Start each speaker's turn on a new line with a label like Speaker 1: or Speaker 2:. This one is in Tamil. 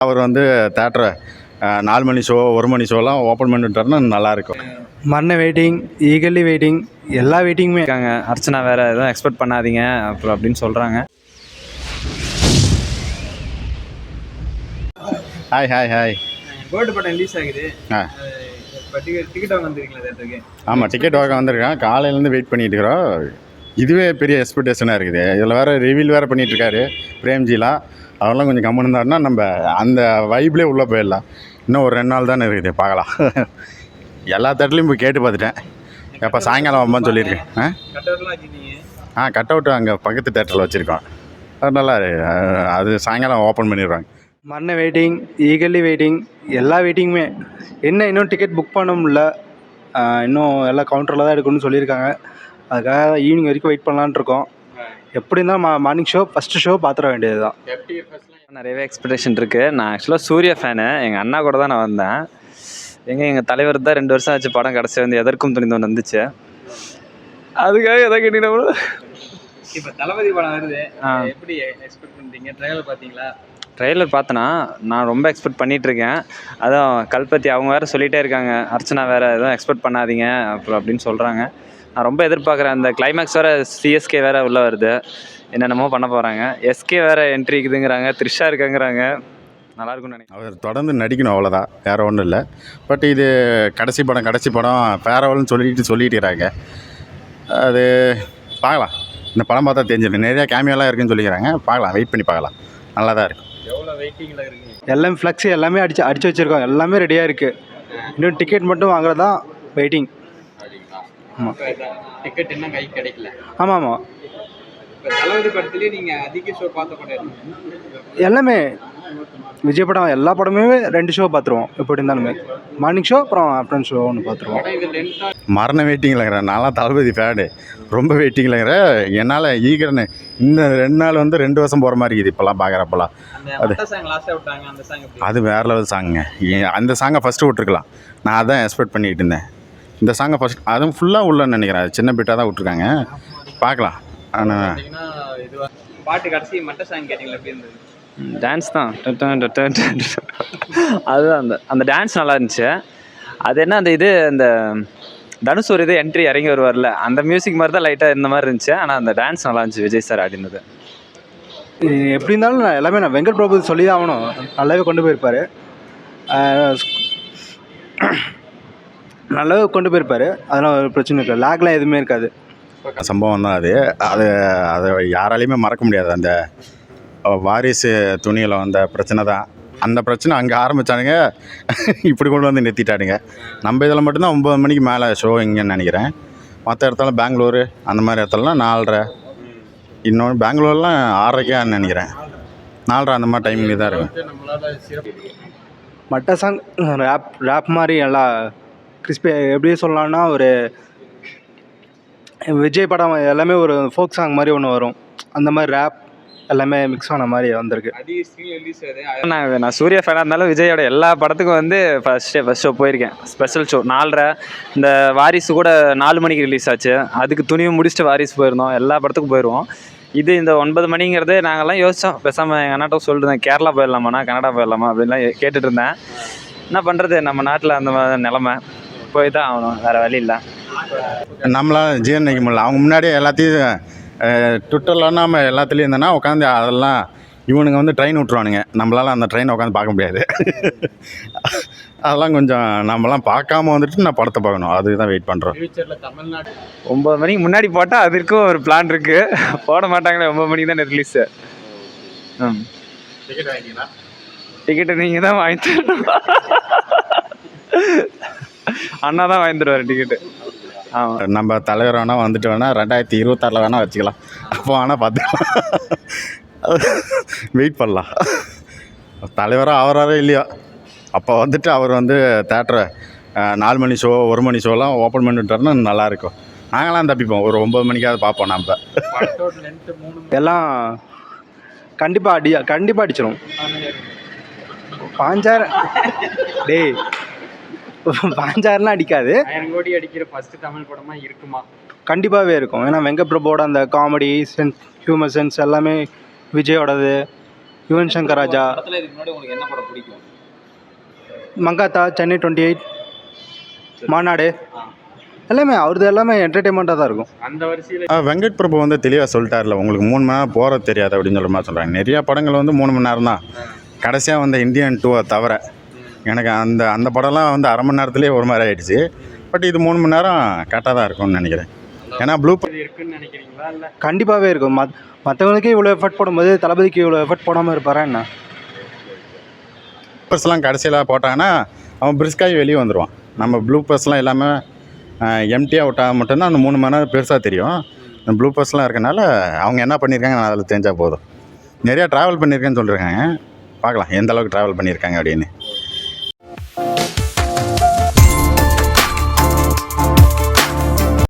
Speaker 1: அவர் வந்து தேட்டரை 4 மணி ஷோ 1 மணி ஷோலாம் ஓப்பன் பண்ணிவிட்டாருன்னா நல்லாயிருக்கும்.
Speaker 2: மரண வெயிட்டிங், ஈகர்லி வெயிட்டிங், எல்லா வெயிட்டிங்குமே
Speaker 3: இருக்காங்க. அர்ச்சனா வேறு எதுவும் எக்ஸ்பெக்ட் பண்ணாதீங்க அப்புறம் அப்படின்னு சொல்கிறாங்க.
Speaker 1: Hi hi hi.
Speaker 3: கோல்டு பட்டம் ரிலீஸ் ஆகுது. டிக்கெட் வாங்க வந்துருக்கீங்களா தேட்டருக்கு?
Speaker 1: ஆமாம், டிக்கெட் வாங்க வந்திருக்கேன். காலையிலேருந்து வெயிட் பண்ணிட்டு இருக்கிறோம். இதுவே பெரிய எக்ஸ்பெக்டேஷனாக இருக்குது. இதில் வேறு ரிவீல் வேறு பண்ணிகிட்ருக்காரு பிரேம்ஜிலாம். அவரெல்லாம் கொஞ்சம் கம்மன் இருந்தாருன்னா நம்ம அந்த வைப்லேயே உள்ளே போயிடலாம். இன்னும் ஒரு 2 நாள் தானே இருக்குது, பார்க்கலாம். எல்லா தேட்டர்லையும் போய் கேட்டு பார்த்துட்டேன். எப்போ சாயங்காலம் வம்பான்னு சொல்லியிருக்கேன். கட் அவுட்டு அங்கே பக்கத்து தேட்டரில் வச்சுருக்கோம். அது நல்லா அது சாயங்காலம் ஓப்பன் பண்ணிடுவாங்க.
Speaker 2: மரண வெயிட்டிங், ஈகர்லி வெயிட்டிங், எல்லா வெயிட்டிங்குமே. இன்னும் டிக்கெட் புக் பண்ண முடியல. இன்னும் எல்லாம் கவுண்டரில் தான் எடுக்கணும்னு சொல்லியிருக்காங்க. அதுக்காக ஈவினிங் வரைக்கும் வெயிட் பண்ணலான்னு இருக்கோம். எப்படி இருந்தாலும் மார்னிங் ஷோ ஃபஸ்ட்டு ஷோ பார்த்துட வேண்டியது தான்.
Speaker 3: நிறையவே எக்ஸ்பெக்டேஷன் இருக்குது. நான் ஆக்சுவலாக சூர்யா ஃபேனு. எங்கள் அண்ணா கூட தான் நான் வந்தேன். எங்கள் தலைவர் தான் 2 வருஷம் ஆச்சு படம் கிடச்சி வந்து எதற்கும் துணிந்தவன் வந்துச்சு. அதுக்காக எதை கேட்டீங்கன்னா இப்போ தளபதி படம் வருது, எப்படி எக்ஸ்பெக்ட் பண்ணுறீங்க? ட்ரெய்லர் பார்த்தீங்களா? ட்ரெய்லர் பார்த்தேன்னா நான் ரொம்ப எக்ஸ்பெக்ட் பண்ணிகிட்ருக்கேன். அதான் கல்பத்தி அவங்க வேறு சொல்லிகிட்டே இருக்காங்க, அர்ச்சனா வேறு எதுவும் எக்ஸ்பெக்ட் பண்ணாதீங்க அப்புறம் அப்படின்னு சொல்கிறாங்க. நான் ரொம்ப எதிர்பார்க்குறேன். அந்த கிளைமேக்ஸ் வேறு சிஎஸ்கே வேறு உள்ளே வருது, என்னென்னமோ பண்ண போகிறாங்க. எஸ்கே வேறு என்ட்ரி இருக்குதுங்கிறாங்க, த்ரிஷா இருக்காங்கிறாங்க. நல்லாயிருக்கும்னு நினைக்கிறேன். அவர்
Speaker 1: தொடர்ந்து நடிக்கணும், அவ்வளோதான், வேறு ஒன்றும் இல்லை. பட் இது கடைசி படம் ஃபேர்வெல்னு சொல்லிட்டுறாங்க. அது பார்க்கலாம். இந்த படம் பார்த்தா தெரிஞ்சிடும். நிறையா கேமியோலாம் இருக்குதுன்னு சொல்லிக்கிறாங்க. பார்க்கலாம், வெயிட் பண்ணி பார்க்கலாம். நல்லா தான் இருக்கும்.
Speaker 3: எவ்வளோ வெயிட்டிங்கில் இருக்குங்க?
Speaker 2: எல்லாம் ஃப்ளக்ஸ் எல்லாமே அடிச்சு வச்சுருக்கோம். எல்லாமே ரெடியாக இருக்குது. இன்னும் டிக்கெட் மட்டும் வாங்குறது தான் வெயிட்டிங். ஆமாம்,
Speaker 3: டிக்கெட் என்ன கை கிடைக்கல.
Speaker 2: ஆமாம் ஆமாம்.
Speaker 3: இப்போ தளபதி படத்துலேயே நீங்கள் அதிக ஷோ பார்த்த படம்
Speaker 2: எல்லாமே விஜய் படம், எல்லா படமே 2 ஷோ பார்த்துருவோம். எப்படி இருந்தாலுமே மார்னிங் ஷோ அப்புறம் ஆஃப்டர்நூன் ஷோ ஒன்று பார்த்துருவோம்.
Speaker 1: மரண வெயிட்டிங்கில்ங்கிறேன். நான்லாம் தளபதி ஃபேனு, ரொம்ப வெயிட்டிங்கில்ங்கிற. என்னால் ஈகர்னு இந்த 2 நாள் வந்து 2 வருஷம் போகிற மாதிரி இருக்குது இப்போல்லாம் பார்க்குறப்பெல்லாம். அது வேறு லெவல் சாங்குங்க. அந்த சாங்கை ஃபஸ்ட்டு விட்ருக்கலாம். நான் அதான் எக்ஸ்பெக்ட் பண்ணிக்கிட்டு இருந்தேன். இந்த சாங்கை ஃபஸ்ட் அதுவும் ஃபுல்லாக உள்ளன்னு நினைக்கிறேன். அது சின்ன பிட்டாக தான் விட்ருக்காங்க, பார்க்கலாம். ஆனால்
Speaker 3: பாட்டு கடைசி மட்ட சாங் கேட்டிங்களா? எப்படி இருந்தது? டான்ஸ் தான். அதுதான் அந்த டான்ஸ் நல்லா இருந்துச்சு. அது என்ன அந்த தனுஷ் ஒரு என்ட்ரி இறங்கி வருவார்ல, அந்த மியூசிக் மாதிரி தான் லைட்டாக இந்த மாதிரி இருந்துச்சு. ஆனால் அந்த டான்ஸ் நல்லா இருந்துச்சு விஜய் சார் ஆடினது.
Speaker 2: எப்படி இருந்தாலும் எல்லாமே நான் வெங்கட் பிரபு சொல்லி தான் ஆகணும். நல்லாவே கொண்டு போயிருப்பார். நல்லாவே கொண்டு போயிருப்பார். அதெல்லாம் ஒரு பிரச்சனை இல்லை. லேக்லாம் எதுவுமே இருக்காது.
Speaker 1: சம்பவம் தான் அது. அதை யாராலையுமே மறக்க முடியாது. அந்த வாரிசு துணியில் வந்த பிரச்சனை தான். அந்த பிரச்சனை அங்கே ஆரம்பித்தானுங்க, இப்படி கொண்டு வந்து நிறுத்திட்டானுங்க. நம்ம இதில் மட்டும்தான் 9 மணிக்கு மேலே ஷோ இங்கேன்னு நினைக்கிறேன். மற்ற இடத்துல பெங்களூரு அந்த மாதிரி இடத்துலலாம் 4:30, இன்னொன்று பெங்களூர்லாம் 6:30 நினைக்கிறேன். 4:30 அந்த மாதிரி டைமிங் தான் இருக்கும்.
Speaker 2: மட்ட சாங் ரேப் மாதிரி நல்லா கிறிஸ்பி. எப்படி சொல்லலாம்னா, ஒரு விஜய் படம் எல்லாமே ஒரு ஃபோக் சாங் மாதிரி ஒன்று வரும். அந்த மாதிரி ரேப் எல்லாமே மிக்ஸ் ஆன மாதிரி வந்திருக்கு.
Speaker 3: நான் சூர்யா ஃபேனாக இருந்தாலும் விஜயோட எல்லா படத்துக்கும் வந்து ஃபஸ்ட் ஷோ போயிருக்கேன். Special show 4:30. இந்த வாரிசு கூட 4 மணிக்கு ரிலீஸ் ஆச்சு. அதுக்கு துணிவு முடிச்சுட்டு வாரிசு போயிருந்தோம். எல்லா படத்துக்கும் போயிடுவோம். இது இந்த 9 மணிங்கிறது நாங்கள்லாம் யோசித்தோம். பேசாமல் எங்கள் அண்ணாட்ட சொல்லிருந்தேன், கேரளா போயிடலாமாண்ணா, கனடா போயிடலாமா அப்படின்லாம் கேட்டுட்டு இருந்தேன். என்ன பண்ணுறது, நம்ம நாட்டில் அந்த மாதிரி நிலமை, போய் தான் ஆகணும், வேறு வழி இல்லை.
Speaker 1: நம்மளால் ஜீரணிக்க முடியல. அவங்க முன்னாடியே எல்லாத்தையும் ட்விட்டரில் நம்ம எல்லாத்துலேயும் இருந்தோன்னா உட்காந்து அதெல்லாம் இவனுங்க வந்து ட்ரெயின் விட்ருவானுங்க. நம்மளால் அந்த ட்ரெயினை உட்காந்து பார்க்க முடியாது. அதெல்லாம் கொஞ்சம் நம்மலாம் பார்க்காம வந்துட்டு நான் படத்தை பார்க்கணும். அதுக்கு தான் வெயிட் பண்ணுறோம்.
Speaker 3: 9 மணிக்கு முன்னாடி போட்டால் அதற்கும் ஒரு பிளான் இருக்குது. போட மாட்டாங்களே, 9 மணிக்கு தான் ரிலீஸு. டிக்கெட்டு நீங்கள் தான் வாங்கி தரணும். அண்ணா தான் வாங்கி தருவார் டிக்கெட்டு. ஆமாம்,
Speaker 1: நம்ம தலைவர் வேணால் வந்துட்டு வேணால் 2026 வேணால் வச்சுக்கலாம். அப்போ வேணால் பார்த்துக்கலாம், வெயிட் பண்ணலாம். தலைவராக ஆகிறாரோ இல்லையோ, அப்போ வந்துட்டு அவர் வந்து தேட்டரை 4 மணி ஷோ 1 மணி ஷோலாம் ஓப்பன் பண்ணிவிட்டாருன்னா நல்லாயிருக்கும். நாங்களாம் தப்பிப்போம், ஒரு 9 மணிக்காவது பார்ப்போம். நம்ம
Speaker 2: எல்லாம் கண்டிப்பாக அடிச்சிடும். 5000 டேய் 5000லாம் அடிக்காது.
Speaker 3: 1000 கோடி அடிக்கிற ஃபர்ஸ்ட் தமிழ் படமாக இருக்குமா?
Speaker 2: கண்டிப்பாகவே இருக்கும். ஏன்னா வெங்கட் பிரபுவோட அந்த காமெடி சென்ஸ், ஹியூமர் சென்ஸ் எல்லாமே விஜயோடது. யுவன் சங்கர் ராஜா,
Speaker 3: படத்தில் இதுக்கு முன்னாடி உங்களுக்கு என்ன படம் பிடிக்கும்?
Speaker 2: மங்காத்தா, சென்னை 28, மாநாடு, எல்லாமே அவரது எல்லாமே என்டர்டெயின்மெண்ட்டாக தான் இருக்கும்.
Speaker 3: அந்த வரிசையில்
Speaker 1: வெங்கட் பிரபு வந்து தெளிவாக சொல்லிட்டார்ல, உங்களுக்கு 3 மணி நேரம் போகிறது தெரியாது அப்படின்னு சொல்கிற மாதிரி சொல்கிறாங்க. நிறையா படங்கள் வந்து 3 மணி நேரம் தான். கடைசியாக வந்த இந்தியன் 2 தவிர எனக்கு அந்த அந்த படம்லாம் வந்து அரை மணி நேரத்துலேயே ஒரு மாதிரி ஆகிடுச்சு. பட் இது 3 மணி நேரம் கரெக்டாக தான் இருக்கும்னு நினைக்கிறேன். ஏன்னா ப்ளூ
Speaker 3: இருக்குன்னு நினைக்கிறீங்களா? இல்லை
Speaker 2: கண்டிப்பாகவே இருக்கும். மற்றவங்களுக்கே இவ்வளோ எஃபர்ட் போடும்போது தளபதிக்கு இவ்வளோ எஃபர்ட் போடாமல் இருப்பாரா என்ன?
Speaker 1: ப்ளூப்பர்ஸ்லாம் கடைசியில் போட்டாங்கன்னா அவன் பிரிஸ்காகி வெளியே வந்துடுவான். நம்ம ப்ளூப்பர்ஸ்லாம் எல்லாமே எம்டியாக விட்டால் மட்டும்தான் அந்த 3 மணி நேரம் பெருசாக தெரியும். இந்த ப்ளூப்பர்ஸ்லாம் இருக்கனால அவங்க என்ன பண்ணியிருக்காங்க நான் அதில் தெரிஞ்சால் போதும். நிறையா ட்ராவல் பண்ணியிருக்கேன்னு சொல்லியிருக்காங்க. பார்க்கலாம் எந்த அளவுக்கு ட்ராவல் பண்ணியிருக்காங்க அப்படின்னு.